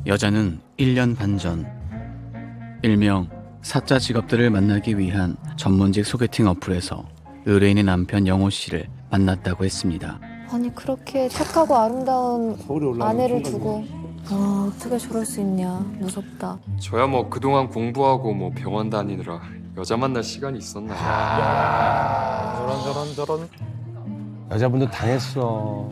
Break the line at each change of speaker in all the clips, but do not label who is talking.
여자는 1년 반 전 일명 사짜 직업들을 만나기 위한 전문직 소개팅 어플에서 의뢰인의 남편 영호 씨를 만났다고 했습니다.
아니 그렇게 착하고 아름다운
서울에 올라가는
아내를
순간이야.
두고 어떻게 저럴 수 있냐. 무섭다.
저야 뭐 그동안 공부하고 뭐 병원 다니느라 여자 만날 시간이 있었나.
저런. 여자분도 당했어.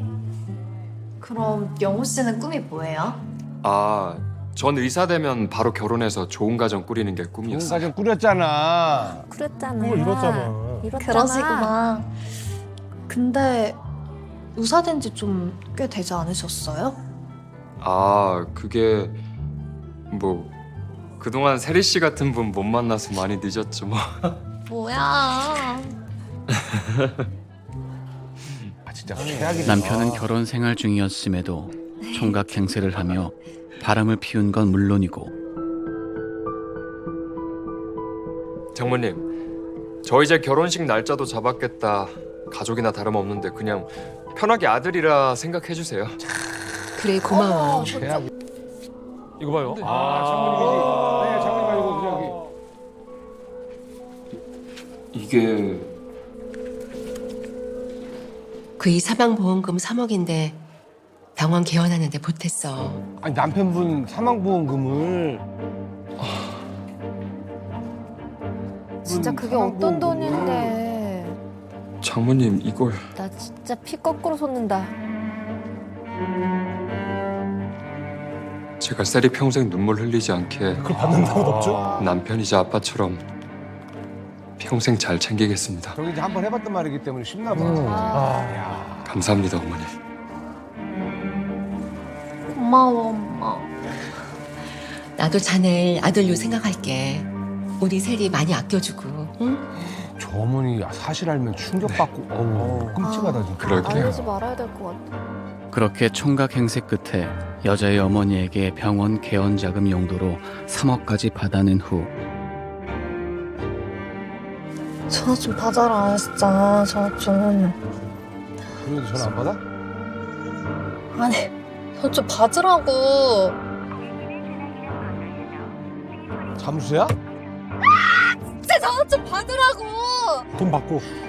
그럼 영호 씨는 꿈이 뭐예요?
아, 전 의사 되면 바로 결혼해서 좋은 가정 꾸리는 게
좋은
꿈이었어요.
가정 꾸렸잖아.
그랬잖아.
이뤘잖아.
그러시구나. 근데 의사 된 지 좀 꽤 되지 않으셨어요?
아, 그게 뭐 그동안 세리 씨 같은 분 못 만나서 많이 늦었죠 뭐.
뭐야?
아 진짜 최악이다.
남편은 결혼 생활 중이었음에도 총각 행세를 하며 바람을 피운 건 물론이고
장모님, 저 이제 결혼식 날짜도 잡았겠다. 가족이나 다름없는데 그냥 편하게 아들이라 생각해 주세요.
그래 고마워.
최악.
이거 봐요.
아 장모님이지. 네 장모님 아니고 저기.
이게
그이 사망보험금 3억인데 병원 개원하는데 보탰어.
아니 남편분 사망보험금을.
진짜 그게 어떤 돈인데.
장모님 이걸
나 진짜 피 거꾸로 솟는다.
제가 세리 평생 눈물 흘리지 않게
그걸 받는다고도 없죠?
남편이자 아빠처럼 평생 잘 챙기겠습니다.
저기 이제 한번 해봤단 말이기 때문에 쉽나 봐.
아,
감사합니다, 어머니.
고마워 엄마.
나도 자네 아들로 생각할게. 우리 세리 많이 아껴주고. 응?
저 어머니 사실 알면 충격받고 어우 끔찍하다 진짜.
그럴게요.
알리지 말아야 될 것 같아.
그렇게 총각 행세 끝에 여자의 어머니에게 병원 개원 자금 용도로 3억까지 받아낸 후
전화 좀 받아라 진짜. 전화 좀.
그래도 전화 안 받아?
아니 전화 좀 받으라고.
잠수야?
진짜 전화 좀 받으라고.
돈 받고.